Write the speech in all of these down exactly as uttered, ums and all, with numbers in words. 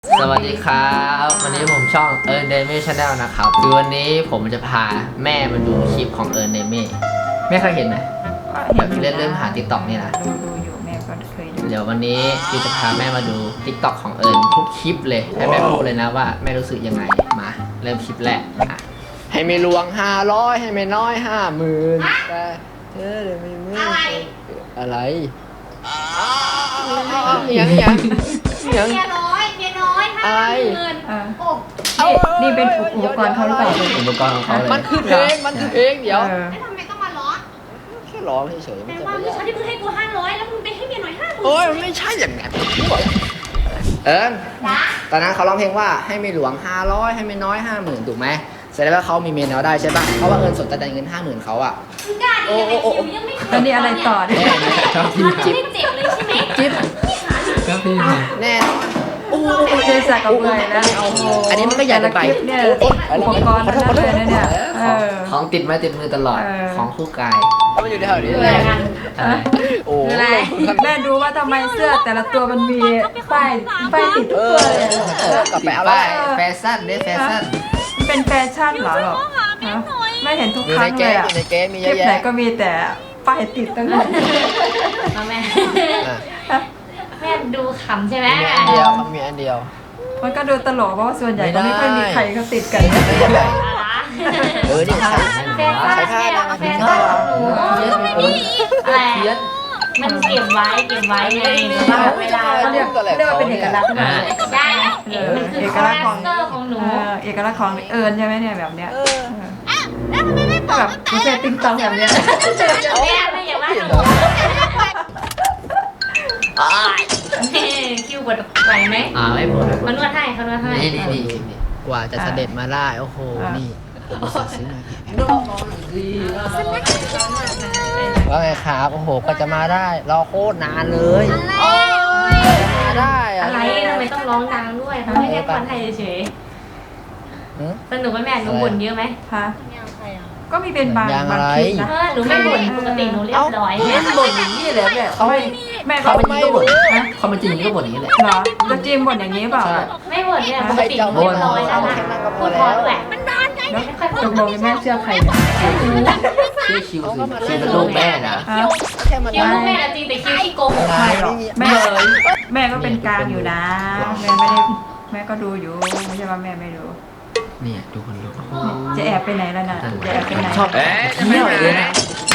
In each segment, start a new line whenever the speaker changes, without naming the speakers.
สวัสดีครับวันนี้ผมช่องเอิร์นเดเม่ชาแนลนะครับคือวันนี้ผมจะพาแม่มาดูคลิปของเอิร์นเดเม่แม่เคยเห็นไหมแบบเล่นเล่นผ่านติ๊กต็อกนี่นะ
ดูดูอยู่แม่ก็เคยดู
เดี๋ยววันนี้พี่จะพาแม่มาดูติ๊กต็อกของเอิร์นทุกคลิปเลยให้แม่พูดเลยนะว่าแม่รู้สึกยังไงมาเริ่มคลิปแรกอ่ะให้ไม่ลวงห้าร้อยให้ไม่น้อยห้าหมื่นแต่เธอเดี๋ยวไม่มืออะไรยังยังยัง
เมียน้อยเมียน้อยห้าหมื่นโอ้
นี่นี่เป็นอุปกรณ์เขาหรือเปล่า
อุปกรณ์ของเขาเลย
มันคือเพลงมันคือเพลงเดี๋ยว
แล้วทำไมต้องมาล้อ
แค่ร้องเฉยๆ
แปล
ไม่
ว่า
ใช่
เมื่อเช้าที่เพิ่งให้กูห้าร้อยแล้วมึงไปให้เมียน้อยห้าหมื่น
โอ้ยมันไม่ใช่อย่างนั้นเอิญตอนนั้นเขาร้องเพลงว่าให้ไม่หลวงห้าร้อยให้ไม่น้อยห้าหมื่นถูกไหมแสดงว่าเขามีเมียน้อยได้ใช่ป่ะเพราะว่าเอิญสนใจเงินห้าหมื่นเขาอ่ะ
มึงกล้าดิยังไงคิวยังไม่เคย
แล้วนี่อะไรต่อเนี่ย
มันไม่ได้เจ็บเลยใช่ไหม
จิ๊บ
ก็พี่
แน่นอน
เจสักกับเบยนะ
อันนี้มันก็ใหญ่เกินไป
คลิปเนี่ยอุปกรณ์ทั้งนั้นเลยนะเนี่ยเออ
ของติดไม้ติดมือตลอด
เออ
ของคู่กาย
มันอยู่ในแถวนี้
เอ
เล
อย กัน
โอ้
อะไร
แม่ดูว่าทำไมเสื้อแต่ละตัวมันมีป้ายป้ายติดทุกตัวเลย
กลับไปเอาไปแฟชั่นเด้แฟชั่น
มันเป็นแฟชั่นเหรอหรอไม่เห็นทุก
อยู่
ค
ใน
รั้ง
เก
เลย
ม
อ่ะ
อยู่ในเกมมี
ค
เย
ลิ
อะ
ปไหน
แยะ
ก็มีแต่ป้ายติดตั้งนั้น
มาแม่
อ่ะ
แม่ดูขำใช่ไหม
มีอันเดียวเขามีอันเดียว
มันก็ดูตลกเพราะว่าส่วนใหญ่ก็ไม่ค่อยมีใครเขาติดกัน
อะไร
เออนี่ใส่
แฟชั่น
ใส่ผ้า
แม่
นะ
เอาแฟชั่นของหนู
เทียนเออ
อะไร
เทียน
มันเก็บไว้เก็บไว้ไงเวลา
เขาเรียกเรียกว่าเป็นเอกลักษณ์นะ
ใช่มันคือคาแรคเตอร์ของหนู
เออเอกลักษณ์ของเอิญใช่ไหมเนี่ยแบบเนี้ยแบบมีเฟซติ๊กต็อกแบบเนี้ย
แม่ไม่อย่าว่าหนูคิวบดไหวไหม
อ่าไม่หมด
เขานวดให้เขานวดให้
นี่นี่นี่นี่กว่าจะเสด็จมาได้โอ้โหนี่ผมซื้อมาว่าไงครับโอ้โหกว่าจะมาได้รอโคตรนานเลยมาได้อะ
อะไรทำไมต้องร้องดังด้วยเขาไม่แค่คนไทยเฉยสนุกไหมแม่หนูบ่นเยอะไหม
ฮะก็มีเป็นบางบางคลิปนะ
เออหนูไม่บ่นปกติหนูเรียบร้อย
แม่บ่นอย่างนี้เลยแม่เขาไม่แม่ก็
เขา
ไม่
ไม่บ่น
นะ
เขามันจริงก็บ่นอย่างนี้แหละ
เหรอจะจิมบ่นอย่างนี้เปล่า
ไม่บ่นเนี่ยปกติหนูเรียบร้อยแล้วนะพูดพอด้วยมันนานไง
แล้ว
ไม่ค่อยพู
ต
ด
กลงแม่เชื่อใครเนี่ย
ชื่อคิวสิคิวเป็นลูกแม่นะ
ฮะ
แค่มัน
คิวลูกแม่จริงแต่คิวที่โกหก
ไม่หรอกแม่แม่ก็เป็นกลางอยู่นะ แม่ไม่ได้แม่ก็ดูอยู่ไม่ใช่ว่าแม่ไม่ดู
เนี่ยดูคนดู
จะแอบไปไหนแล้วน่ะจะแอบไปไหน
ชอบเอ๊ะเที่ยวเลยนะ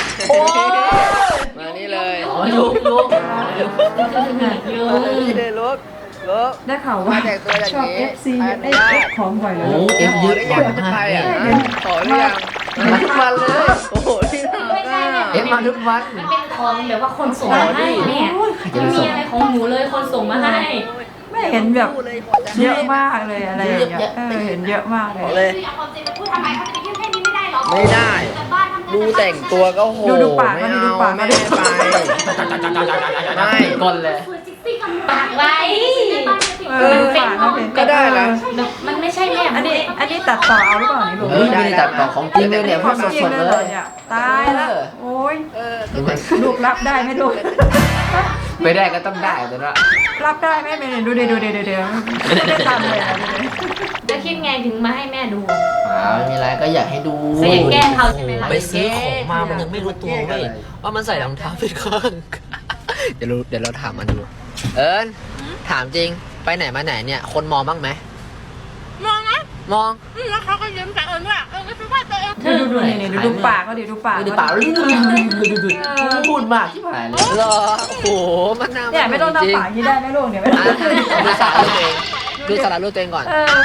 มานี่เลย
อ๋อลุกลุก
ยู
นี่เลยลุกลุก
ได้ข่าวว่าชอบ เอฟ ซี เอฟของบ่อยเลย
โอ้เอฟเยอะบ่อยมาก
ใคร
เลย
อ่ะขอหรือยัง
มาทุกวันเลย
โอ้โหที่ทำ
ไม่ใช่
อ่ะ
เอฟมาทุกวัน
มันเป็นของแบบว่าคนส่งมาให้เนี่ยไม่มีอะไรของหนูเลยคนส่งมาให้
แม่เห็นแบบเยอะมากเลยอะไรอย่างเงี้ยเออเห็นเยอะมากเล
ขอย เลย
เอาความจริงมาพูดทำไมเขาจะไปยื่นแค่นี้ไม่ได้หรอ
ไม่ได้ ดูแต่งตัวก็โห
ดูดูปาก
ไม่
ก็ดู
เอา
ดูปาก
ไม่
ก็
ได้
ดู
ไปไม่
ก้นเลย
ปากไว้
เออปากก็เป็น
ก็ได้นะ
มันไม่ใช่แม่
อันนี้อันนี้ตัดต่อเอาหรือเปล่านี่ลูก
เออไม่ได้ตัดต่อของจริงเลยเนี่ยพูดสดๆเลย
ตายแล้วโอ้ย
เออ
ลูกรับได้ไหมลูก
ไม่ได้ก็ต้องได้แต่ว่า
รับได้ไหมไม่ดูเดี๋ยวดูเดี๋ยวเดี๋ยวเดี๋ยวไม่ได้ทำเลยนะ
จะคิดไงถึงมาให้แม่ดู
อ่าไม่มีอะไรก็อยากให้ดู
ก็อยากแกล้งเขาใช่ไหมล่ะ
ไปซื้อของมามันยังไม่รู้ตัวเว้ยว่ามันใส่รองเท้าผิดข้าง
เดี๋ยวรู้เดี๋ยวเราถามมันดู เอิญถามจริงไปไหนมาไหนเนี่ย คนมองบ้างไหมมองนะมอง
แล้วเขาก็ยิ้มแต่เอิญว่าเออไม่ใช่ว่าตัวเอง
ดูดูนี่ดูดูปากก็ดิดูปาก
ดูปากดูดูดูดูพูดมากที่ผ่านเลย
เหรอโอ้โหมันน่า
เนี่ยไม่ต้องทำปากที่ได้ไหมลูกเนี่ยไม่ต้อง
ดูสาระตัวเองดูสาระตัวเองก่อน
เออ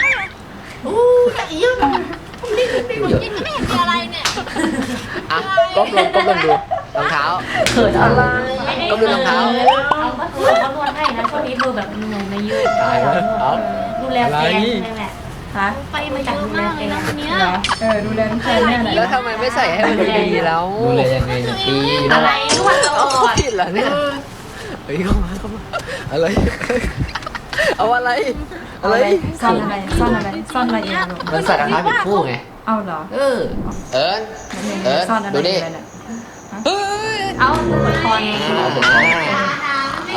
อ่ะก้มลงก้มลงดูรองเท้า
เขินอะไร
ก็ดูรองเท้า
เขาก็คือเขานวดให้นะช่วงนี้เธอแบบหนุ่มในยืด
ตายแล้วเอา
ดูแลแฟนใช่ไหม
ฮะ
ไปมาจากดูแลแฟน
เหรอเออดูแลลูกชายแม่หน่อย
แล้วทำไมไม่ใส่ให้มันดีๆแล้ว
ดูเลยยังไงตีอยู่
อะ
นั่น
ไร
แหละ
นวดตล
เอา
อด
ผิดเหรอเนี่ยเฮ้ยเข้ามาเข้ามาอะไร เอาอะไร
เอา
อะไร
อะไรซ่อนอะไรซ่อนอะไรซ่อนอะไรเองลูก
มันใส่รองเท้าผิดคู่ไง
เอาเหรอ
เออ เอิญ เออ
ซ่อนอะไร
ดูดิ
อะไรเนี่ย
เอาปวดคอไง
เอาผมเอาเอา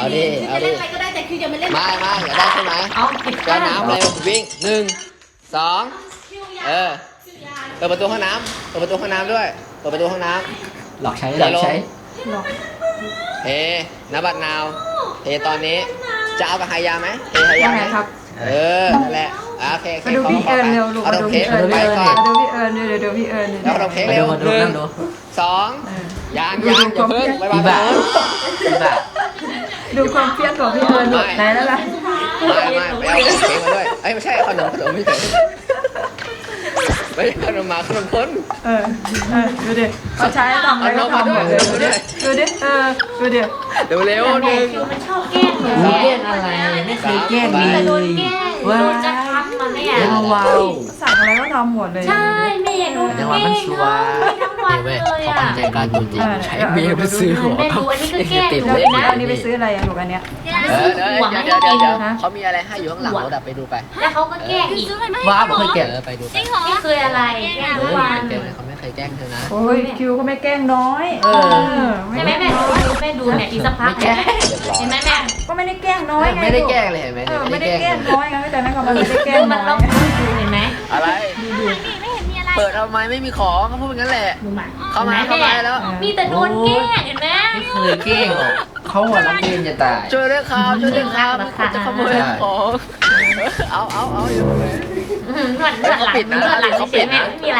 เอาดิเอา
จะ
ดิ
เล่นอะไรก็ได้แต่คืออย่ามาเล่น
มามาอย่าได้ใช่ไหม
เอาผิด
เดี๋ยวน้ำเร็ววิ่งหนึ่งสองเออเปิดประตูห้องน้ำเปิดประตูห้องน้ำด้วยเปิดประตูห้องน้ำ
หลอกใช้หลอกใช้
หรอก
เฮนบัดนาวเฮตอนนี้จะเอากับไฮยาไหมเฮไฮยา
ว่า
ไห
ไง
ม
ครับ
เออนั่นแหละอ่ะโอเคโอเค
มาดูพี่เอิญเร็วลูก
เอา
มา
ด
ดู
อกเค้
พี่
ก
เอิญ
ไปก่อน
มาดูพี่เอิญเดี๋ยวเดี๋ยวพี่เอิญ
แล้วเอาดอกเค้ก
มา
เร็
ดู
ว
มาดู
หนึ่ง
นั่งดู
สอง
เออ
ยางยางอย่าเพิ่งไปบ้า
พี่บ่าพี่บ่า
ดูความเพี้ยนของพี่เอิญลูกไหนแล้วล่ะ
ไม่ไม่ไปเอาเค้กมาด้วยเอ้ยไม่ใช่ขนมขนมไม่ใช่ไม่ใช่ขนมหมาขนมคน
เออเออดูดิเขาใช้ทำอะไรก็ทำหมดเลยดูดิดูดิเออดูดิ
เร็วเร็วห
แม่
นึ่ง
คิวมันชอบแกล้งหนู
หนู
เนี่ย
แกล้งอะไรไม่เคยแกล้ง
ไป
เล
แต่
ย
โดนแกล้งโดนจะทำมาแม่
ว้าว
สั่งอะไรก็ทำหมดเลย
ใช่แม่โดนแกล้งทั้งวันเลย
เขา
อ่ะ
ทำใจกล้ารตัวจริง
ใช้เมียไปซื้อหัว
แม่ดูอันนี้ก็แกล้ง
ติด
หนู
เล่น
นะ
อันนี้ไปซื้ออะไรอะลูกอันเนี้ย
เออเดี๋ยวเดี๋ยวเดี๋ยวเดี๋ยวเขามีอะไรให้อยู่ข้างหลังรถอะไปดูไป
แล้วเขาก็แกล้งอีก
ว้าวผมเคยแกล้ง
เออไปดูไป
นี่คืออะไรแกล้ง
เอ
ทุก
อ
วัน
แกล้งเลยเขาไม่เคยแกล้งเธอนะ
โอ้ยคิวก็ไม่แกล้งน้อย
เออ
ใช่ไหมแม่ดูแม่ดูเนี่ยอีกสักพักเห็นไหมเห็นไหมแม่
ก็ไม่ได้แกล้งน้อยไง
ไม่ได้แกล้งเลยเห็นไหม
เออ
ไม่
ไม่
ได้
ได้
แก
แก
ล้
ล้
ง
งน้อยไงแต่นั่นก็มันไม่ได้แกล้ง
ดูมัน
น้
ต้
อ
อย งดูเห็นไหม
อะไรเปิดทำไมไม่มีของเขาพูดอย่างนั้นแหละ
ดูมา
เข้ามาเข้ามาแล้ว
มีแต่โดนแกล้งเห็นไหม
ไม่เคยแกล้งหรอกเขาหัวรักเรียนจะตาย
ช่วยด้วยครับช่วยด้วยครับมีคนจะขโมยของเอาเอาเอาอยู่เลย
นวดนวดหลังนวดหลังเฉยๆแม่ไม่มีอะไร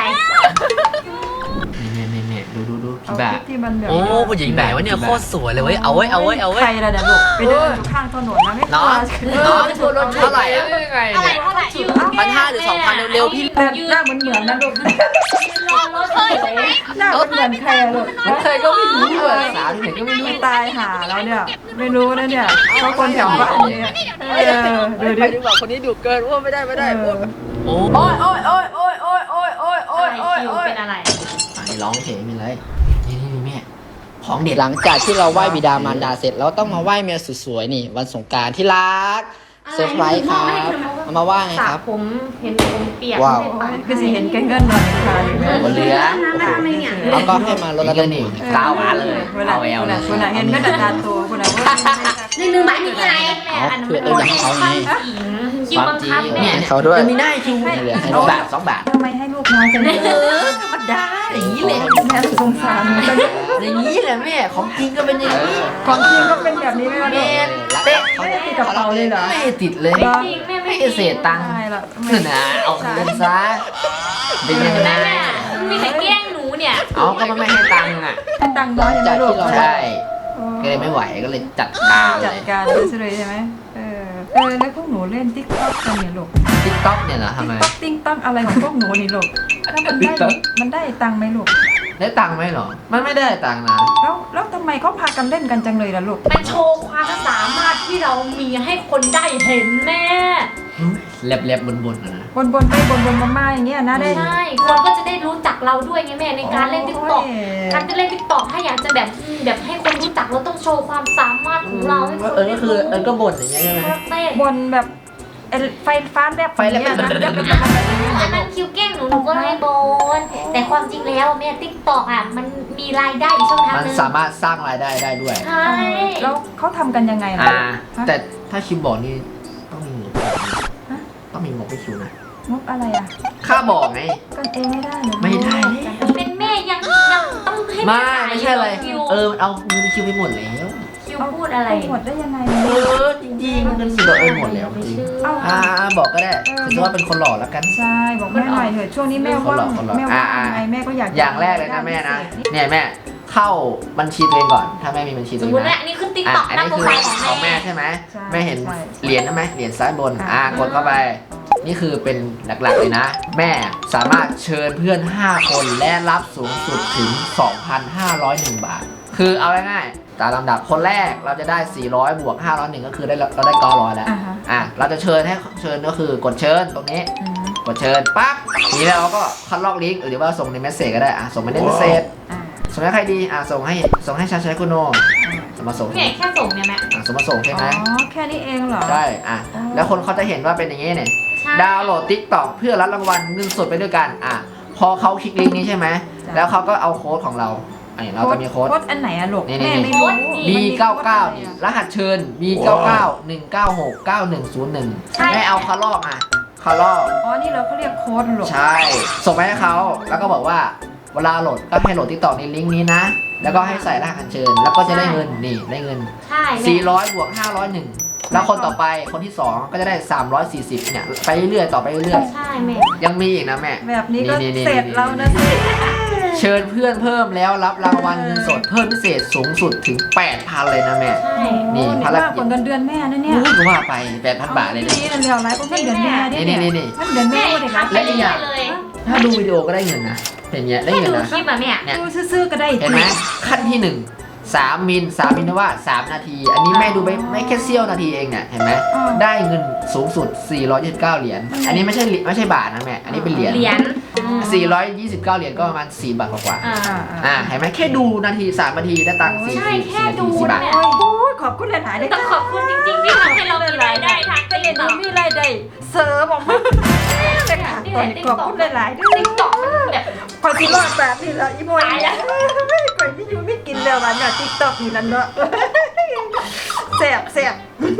เนี่ยเนี่ยเนี่ยดูดูดู
เอา
พี่บ่า
คลิปที่มันแบบ
โอ้ผู้หญิงไหนวะเนี่ยโคตรสวยเลยเว้ยเอาไว้เอาไว้เอาไว้
ใครล่ะเดี๋ยวลูกไปเดินอยู่ข้างถนนนะไม่กลั
น้อ
ว
งน้องตัวรถเท่าไหร่อะ
อะไรเท่าไหร่อยู่
พันห้าหรือสองพันเร็วๆพี่
แต่หน้าเหมือนเหมือนนะลูก
รอรถเคยไหม
หน้าเหมือนเหมือนใครอะลูก
มันเคยก็ไม่รู้เลยสาวที่ไหนก็ไม่รู้
ไม่ตายหาแล้วเนี่ยไม่รู้นะเนี่ยเขาคนแถวบ้านเนี่ยเออดู
ไป
ดิ
ดีกว่าคนนี้ดุเกินว่าไม่ได้ไม่ได้
เออ
โอ้
โอ้ยโอ้ยโอ้ยโอ้ยโอ้ยโอ้ยโอ้ยโอ้ยโอ้ย
คิว
โอ้ย
เป็นอะไร
ไอ้ร้องเฉยไม่ไรนี่นี่แม่ของเด็ด
หลังจากที่เราไหว้บิดามารดาเสร็จเราต้องมาไหว้เมียสวยๆนี่วันสงกรานต์ที่รักเซอร์ไพรส์ครับเอามาว่าไง
สระ
ครับ
ผมเห็นผมเปียก
ว้าว
ไม่ได้
คือสิเห็นแกงเงินนอนอยู่ค่ะ
บนเรือ
แล้วก็ให้มาลด
แล้ว
ระ
ก็
ดับ
นี่ก้าวมาเลย
เวลา
เอาแอล
เว
เล
ลาย เวลาเห็นก็ดัดดานตัวเวลาว่า
หนึ่งหนึ่งบาทนี่อะไรแม่อันนั้นเป็นคนที่ข้างคิวบังคับแม่
เนี่ย
เขาด้วย
จะมีหน้าคิว
เหลือให้
สองบาทสองบาท
ทำไมให้ลูกน้อยจังเลย
เออธรรมดาอย่างนี้แหละ
แม่สงสารจัง
อย่างนี้แหละแม่ของจริงก็เป็นอย่างนี้
ของจริงก็เป็นแบบนี้ไหมล่ะ
แม่
ลูก
เตะ
ไม่ได้ติดกระเป๋าเลยเหรอ
ไม่ติดเลย
ไม่จริงแม่ไม่
ไม่เสียตังค์
ใช่ละ
นั่นนะเอาเงินซะเป็นยังไง
แม่มีแต่แกล้งหนูเนี่ย
เอาก็มันไม่ให้ตังค์อ่ะ
ให้ตังค์น้อยใช่ไหมลูก
ใช่ก็เลยไม่ไหวก็เลยจัดการเล
จัด
ย
การเลยใช่ไหมเออเออแล้วพวกหนูเล่นติ๊กต็อกกันเนี่ยลูก
ติ๊กต็อกเนี่ยเหรอทำไม
ติ๊กต็อกอะไรของพวกหนูนี่ลูกแล้วมันได้
TikTok
มันได้ตังค์ไหมลูก
ได้ตังค์ไหมหรอ มันไม่ได้ตังค์นะ
แล้วแล้วทำไมเขาพากันเล่นกันจังเลยล่ะลูก
มันโชว์ความสามารถที่เรามีให้คนได้เห็นแม่
แลบๆบนๆนะนะ
บนบนๆไปบนบนๆมาๆอย่างเงี้ยนะได้
ใช่คนก็จะได้รู้จักเราด้วยไงแม่ในการเล่นติ๊กต็อก
โอ้ย
การจะเล่นติ๊กต็อกถ้าอยากจะแบบแบบให้คนรู้จักเราต้องโชว์ความสามารถของเราให้คน
เออ
ได้
ก็คือเออก็บ่นอย่างเงี้ยใช่ไหม
เต้น
บนแบบไอ้ไฟฟ้าแลบ
ไฟแลบ
อย่างเงี้ยนะ
อันนั้นคิวเก้งหนูหนูก็ให้โบนแต่ความจริงแล้วแม่ติ๊กต็อกอ่ะมันมีรายได้อีกช่องทาง
มัน
หนึง
สามารถสร้างรายได้ได้ด้วย
ใช่
แล้วเขาทำกันยังไงล่ะ
อ่า แต่ถ้าคิมบอกนี่ต้องมีงบต้องมีงบไปคิวนะ
งบอะไรอ่ะ
ค่าบอกไง
กันเองไม่ได้เหรอ
ไม่ได้
เป็นแม่ยังยังต้องให้
ไม่
แขาย
ไม่ใช่อะไร
คิว
เออเอาเงินคิวไปหมดแล้ว
คิวพูดอะไร
หมดได้ยังไง
เออจริงๆเงินคิวเราเออหมดแล้วจ
ไม่
ริง
เชื่อ
เอ้า
อ่าบอกก็ได้ถือว่าเป็นคนหล่อแล้วกัน
ใช่บอกแม่หน่อยเถอะช่วงนี้แม่ว่าง
คนละคนละ
แม่ว่าง
อ่า
ไงแม่ก็อยาก
อย่างแรกเลยนะแม่นะ เนี่ยแม่เข้าบัญชีตัวเองก่อน ถ้าแม่มีบัญชีตั
ส
ว
ม
เอ
ม
ง
ติว่า
นะ
อันนี้ขึ้นติ๊ก
อ่ะ
ต็อก
อัน
หน้า
นี้
โปร
คือ
ไฟล์
ข
ข
อ
อง ง
แม่
แม่
ใช่ไหม
ใช่
แม่เห็น
ใช่
เหรียญนะไหมเหรียญซ้ายบน
อ่ะ
อ่ากดเข้าไป นี่คือเป็นหลักๆเลยนะ แม่สามารถเชิญเพื่อน ห้า คนและรับสูงสุดถึง สองพันห้าร้อยเอ็ด บาท คือเอาง่ายๆตามลำดับคนแรกเราจะได้ สี่ร้อย บวก ห้าร้อยเอ็ด ก็คือได้เราได้ เก้าร้อย แล้ว
อ่าฮะ
อ่ะเราจะเชิญให้เชิญก็คือกดเชิญตรงนี้
อืม
กดเชิญปั๊บทีนี้เราก็คัดลอกลิงก์หรือว่าส่งในเมสเซจก็ได้อ่ะส่งมาในเมสเซจ
อ่า
ส่งให้ใครดีอ่ะส่งให้ส่งให้ชาชัยคุณโนส่งมาส่ง
เนี่ยแค่ส่งเนี่ยแม่
อ่ะส่งมาส่งใช่ไหม
อ๋อแค่นี้เองเหรอ
ใช่อ่ะ
อ๋อ
แล้วคนเขาจะเห็นว่าเป็นอย่างนี้เนี่ย
ใช่
ดาวน์โหลด TikTok เพื่อรับรางวัลเงินสดไปด้วยกันอ่ะพอเขาคลิกลิงก์นี้ใช่ไหมแล้วเขาก็เอาโค้ดของเราอันนี้เราจะมีโค้ด
โค้ดอันไหนอะลูก
นี่
แม่
นี่
ไม่รู้
บี เก้าเก้า นี่รหัสเชิญ บี เก้าเก้า หนึ่งเก้าหก เก้าหนึ่งศูนย์หนึ่ง
ใช่
แม่เอาคาลอกอ่ะคาลอก
อ๋อนี่เราเขาเรียกโค้ดลูก
ใช่ ส่งไปให้เขาแล้วก็บอกว่าเวลาโหลดก็ให้โหลดติ๊กต็อกในลิงก์นี้นะ แล้วก็ให้ใส่รหัสอัญเชิญ แล้วก็จะได้เงินนี่ได้เงิน
ใช่แม่
สี่ร้อยบวกห้าร้อยหนึ่งแล้วคนต่อไปคนที่สองก็จะได้สามร้อยสี่สิบเนี่ยไปเรื่อยๆต่อไปเรื่อย
ใช่แม่
ๆยังมีอีกนะแม่
แบบนี้ก็
นี่ๆๆๆ
เสร็จแล้วนะสิ
เชิญเพื่อนเพิ่มแล้วรับรางวัลเงินสดเพิ่มพิเศษสูงสุดถึง แปดพัน เลยนะแม่
ใช่
นี่
โอ้
ภารกิจ
มากกว่าเงินเดือนแม่นะเนี่ย
รู้ก็ว่าไป แปดพัน บาทเลย
นี่
เนี่ย
นั่นเดียวไรเพราะเงินเดือนแม่ดิ
นี่ๆๆ
เงินเดือนแม่
แม่
ก็ได้ครับ
ทำไปเรื่อยๆเลย
ถ้าดูวิดีโอก็ได้เงินนะเป็นเงี้ยได้
แค่
เงิน
ดู
นะ
คลิปอะแม่
เนี่ย
ดูซื่อๆก็ได้
เห็นไหมขั้นที่หนึ่งสามมิลสามมิลนะว่าสามนาที อันนี้แม่ดูไปไม่แค่เสี้ยวนาทีเองเนี่ยเห็นไหมได้เงินสูงสุดสี่ร้อยยี่สิบเก้าเหรียญอันนี้ไม่ใช่ไม่ใช่บาทนะแม่อันนี้เป็นเหรียญ
เหรียญ
สี่ร้อยยี่สิบเก้าเหรียญก็ประมาณสี่บาทกว่า
อ่า
อ่า
ๆอ่าเห็นไหมแค่ดูนาทีสามนาทีได้ตังค์สี่
ใช่แค่
สี่นา
ดู
ทีสี่บาท
เนี่ย
โอ้ยขอบคุณหลายๆได้
ต้องขอบคุณจริงๆที่ทำให้เรามีรายได้ทาง
แต่
ติ๊
เดี๋
ก
ยว
ต็
นี้
อก
มีรายได้เสริมออกมาแต่ค่ะตอนนี้ขอบคุณหลายๆด้วย
ติ๊กต็อกมันแบบ
พอสิรอดแบบนี้แล้วอีโมย
ตายแล้ว
ไม่ก่อยไม่อยู่ไม่กินแล้ววันน่ะติ๊กต็อกนี่นั่นเนาะแซ่บแซ่บ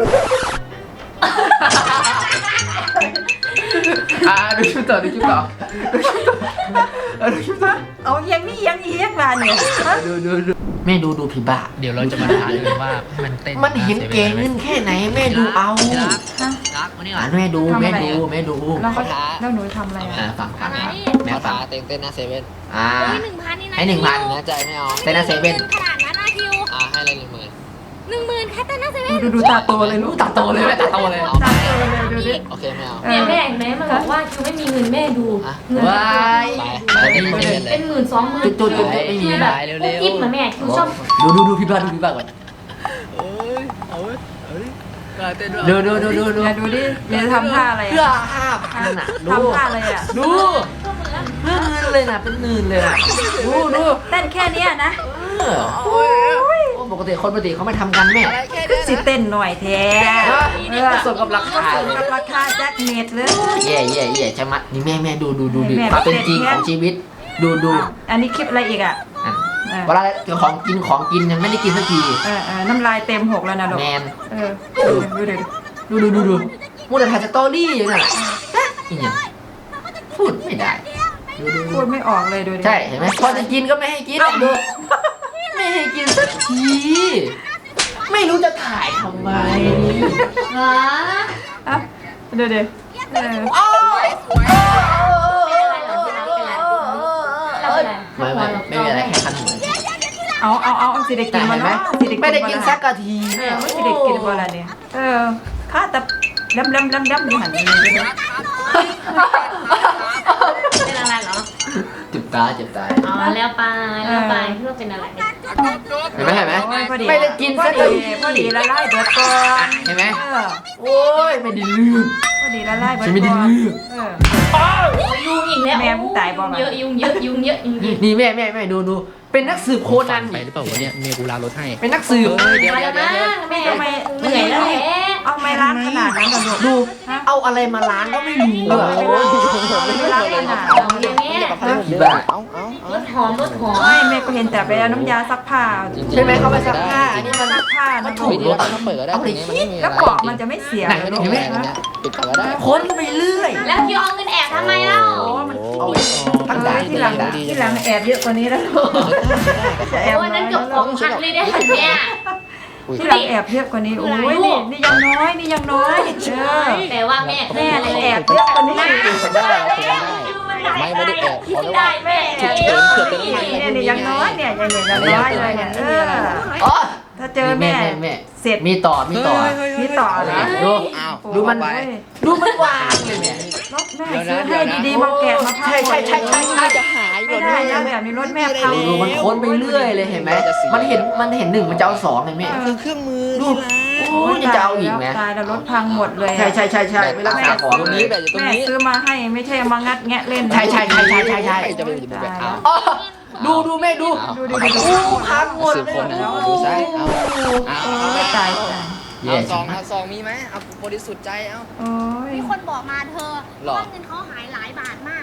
อ่าดูคลิปต่อดูคลิปต่อดูคลิปต่อเออดูคลิปต่อ
เอายังนี่ยังอีกมาเนี่ยฮะ
ดูดูดูแม่ดูดูพี่บ้า
เดี๋ยวเราจะมาถ่ายกันว่ามันเต้น
มันเห็นเก่งเงินแค่ไหนแม่ดูเอา
รักรักวันนี้ห
อ่า
ลาน
แม่ดูแม่ดูแม่ดู
แล้วเขาแล้วหนูทำอะไร
อ่า
อ่ะ
ฟังฟัง
อัน
ครับ
นี้
แม่
เขา
ฟั
ท้าง เต้นเต้นหน้าเซเว่น
อ่า
เฮ้ยหนึ่งพันนี่นะ
ให้หนึ่งพัน
แน่ใจไม่เอา
เต้นหน้าเซเว่น
ขนาดนั้นนะคิว
อ่าให้อะไรหนึ่งหมื่น
หนึ่งหมื่นแค่เต้นหน้าเซเว่น
ดูดูตาโตเลยลูก
ตาโตเลยแม่ตาโตเลย
ตาโตเลยดูดิ
โอเคไม่เอา
เอ
แม่
อ
แม่เห็นไหมมันบอกว่าคิวไม่มีเงินแม่ดู
อ่ะ
เงิน
ว้าย
ไปไปเต้นเซเว่นเล
เป็
ย
นหมื่นสองหมื่น
จุดๆจุดๆไม่มี
แบบ
ไปเร็วๆ
กิ๊บเหมือนแม่คิวชอบ
ดูดูดูพี่บ้าดูพี่บ้าก่อน
เอ้ยเอาเว้ยเอ้ยกล้าเต้นด้วย
ดูดูดูดูดู
เนี่ยดูดิเนี่ยทำท่าอะไร
เพื่อ
อ่ะ
ห้าพันอ่ะดู
ทำท่าอะไรอ่ะ
ดูเพื่อเงินเลยนะเป็นหมื่นเลยนะดูดู
เต้นแค่เนี้ยนะ
เออโอ้ปกติคนปกติเขาไม่ทำกันแม่
ก็สิเต้นหน่อยแท้
เออสมกับราคา
สมกับราคาแจ็คเน็ตเลย
เย่เย่เย่ใช่ไหมนี่แม่แม่ดูดูดูดู
แม่
ความเป็น
เด็ด
จริง
แม่
ของชีวิต ดูดู
อ่ะอันนี้คลิปอะไรอีกอ่ะ
อ่ะ
เออ
เวลาเจอของกินของกินยังไม่ได้กินสักที
เออเออน้ำลายเต็มหกแล้วนะลูก
แมน
เออดูดิดูดิ
ดูดูดูดูมูแต่ถ่ายสตอรี่อยู่น่ะอีกอย่างพูดไม่ได้ดูดู
พู
ดู
ดไม่ออกเลยดูดิ
ใช่เห็นไหมพอจะกินก็ไม่ให้กินดูไม่ให้กินสักที ไม่รู้จะถ่ายทำไม
ฮะ
อ่ะดูดิเออ
โอ้ย
เป็นอะไรเหรอเป็นอะไรเป็นอะไร
ไม่ไม่ไม่มีอะไรแค่คันหู
เอาเอาเอาเอาสิได้กิ
แต่
นมา
เห็นไหม
เนาะสิได้กิน
ไม่ได้กินสักกะที
เอ
เนี่
อย ไม่สิได้กินมาละเนี่ยเออข้าแต่ดำดำดำดำอยู่หันนี่ดูดิ
เป็นอะไรเหรอ
เจ็บตาเจ็บตา
อ๋อแล้วไปแล้วไปคิดว่าเป็นอะไร
เห็นไหมเห็นไหม
โอ้ยพอดี
ไม่ได้กิน
พอ
สัก
ดี
ที
พอดีละลายเบิดก่อน
เห็นไหม
เออ
โอ้ยไม่ได้ลืม
พอดีละลายเบิด
ฉันไม่ได้
ก่อน
เลือก
เออ
ยุงอีกแล้ว
แม่มึงตายบ่มา
เยอะยุงเยอะยุงเยอะยุงเยอะ
นี่แม่แม่แม่ดูดูเป็นนักสืบโคนัน
ไปหรือเปล่าวะเนี่ยเมียกูลารถให้
เป็นนักสืบ
เฮ้ยเดี๋ยว
มา
เดี๋
แล้
ยว
ว
เดี๋ยว
นะแม่เหนื่อยแล้วแหละ
เอาไม้ล้างขนาดนั้นกันลูก
ดู
ฮะ
เอาอะไรมาล้างก็ไม่รู้
เออ
อะ
ไม่ล้างไม่ล้างขนาด
เอาเมียแม่
ผีบ้า
เอาเอาเอา
รถหอมรถหอม
ไม่แม่ก็เห็นแต่ไปเอาน้ำยาซักผ้า
ใช่ไหมเขาไปซักผ้าอันนี้มัน
ซักผ้า
มั
นะ
น
ลู
ถู
ก
ก
เดี๋ยวเราเปิดก็ได้ตรงนี้มันไม่มีอะไร
แล้วปอกมันจะไม่เสีย
ไหน
เลย
ดู
ลูก
เห็นไหม
ฮะ
ปิดก่อนก็ได้
ค้นไปเรื่อย
แล้วคิวเอาเงินแอบทำไมเล่า
เอาไว้ตั้ง
เอ
ด่า
อน ที่หลังที่หลังแอบเยอะกว่านี้แล้วลูกจะแอบ
โอ้ยนั่นเกือบของพันเลยได้หันเนี่ย
ที่หลังแอบเยอะกว่านี้โอ้ยนี่นี่ยังน้อยนี่ยังน้อยเออ
แต่ว่าแม่
แม่เลยแอบเยอะกว่านี้
ผมได้ผมได้ไม่ไม่ได้แอบขอเลยว่า
ได้แม่
ฉุกเฉินเผื่อเป็น
เนี่ยนี่ยังน้อยเนี่ยยังยังน้อยเลยเนี่ยเออ
อ๋อ
ถ้าเจอแม่
แม่
เสร็จ
มีต่อมีต่อ
มีต่อนะ
ดู
อ้าว
ดูมัน
โอ้ย
ดูมันวางเลยเนี่ย
รถแม่ซื้อให้ดีๆมาแกะมาพับ
ใช่ใช่ใช่ใช่ใช่
จะหาย
ไม่ได้นะแบบนี้รถแม่พัง
ดูดูมันค้นไปเรื่อยเลยเห็นไหมมันเห็นมันเห็นหนึ่งมันจะเอาสองเลยแม่
คือเครื่องมือ
ดูโอ้ยจะเอาอีกไหม
ตายแล้วรถพังหมดเลย
ใช่ใช่ใช่ใช่ไม่รักษาของ
ตรง
เล
นี้
ย
แบบอยู่ตรง
แม่
นี้
ซื้อมาให้ไม่ใช่มางัดแงะเล่นนะ
ใช่ใช่ใช่ใช่ใช่ใช่
จะไปอยู่แบบเอา
อ๋อดูดูแม่ดู
ดูดิดูดิ
โอ้พังหมด
สืบ
เลย
คนนะดูซ้ายเอาเอา
โอ้ยตายตาย
เอาซองเอาซองมีไหมเอาบริสุทธิ์ใจเอา
โอ้ย
มีคนบอกมาเธอ
หรอ
ว่าเงินเขาหายหลายบาทมากก็มันน่า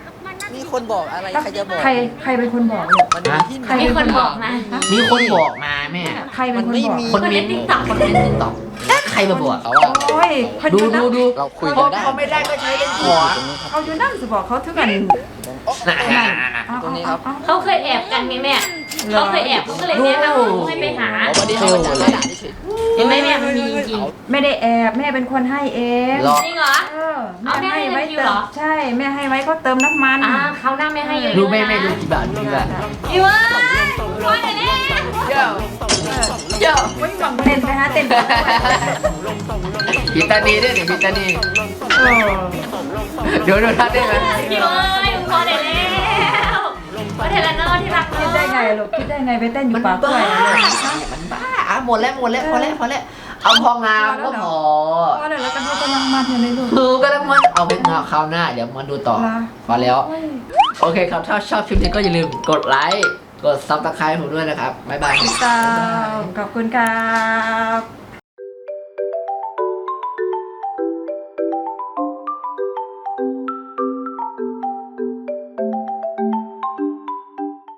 มีคนบอกอะไรใครจะบอก
ใครใครเป็นคนบอกลูก
มันมีที่ไหน
ใคร
มีคนบอกมา
มีคนบอกมาแม่
ใครเป็นคนบอก
คนเม้นต์คนเม้นติ๊กต็อกใครมาบอก
เขาว่า
โอ้ยเขาอ
ดู
ยู่นั่
ดู
น
ดู
เราคุย
เขา
กันได้
เขาไม่ได้ก็ใช้เล่นหัว
เขาอยู่นั่นสิบอกเขาถึงกัน
น่ะ
เอา
ตรงนี้
เอา
ครับ
เอา
เขาเคยแอบกันไงแม่เขาเคยแอบเขาก็เลยแนะนำหนูให้ไปหา
เอาวันนี้เขาจะด่าเฉย
เห็นไหมแม่มันมีจริง
ไม่ได้แอบแม่เป็นคนให้เอง
หรอ
ๆจริงเหรอ
เออ
เอาแม่ให้
ไว้
เงินคิว
เติ
เหร
ม
อ
ใช่แม่ให้ไว้ก็เติมน้ำมัน
อ่าเขาวหน้าไม่ให้เยอะๆ
ดูแม่
นะ
แม่ดูกี่บาทกี่บาท
พี่เว้ยพ่อเดี๋ยวนี้
เจ้าเจ้า
ไม่หวังเต้นไปฮะเต้นไปด้วย
พิตานีด้วยนี่พิตานี
เออ
เดี๋ยวดูท่าได้ไหม
พี่เว้ยพ่อเดี๋ยวแล้วพ่อเทเลนอที่รัก
คิดได้ไงลูกคิดได้ไงไปเต้นอยู่ป่ากล้วยอะลูกฮะ
มันบ้าอ่ะหมดแล้วหมดแล้วพอแล้วพอแล้วเอาพองามก็พอ
พอแล้วแล้วกันดูกำลังมันอยู่เลยลูก
คือก็แล้วมันเอาไปงาคราวหน้าเดี๋ยวมาดูต่อ
เหรอ
พอแล้ว
โอ้ย
โอเคครับ ถ้าชอบคลิปนี้ก็อย่าลืมกดไลค์ กดซับสไครต์ผมด้วยนะครับ บ๊ายบาย
ตามขอบคุณครับ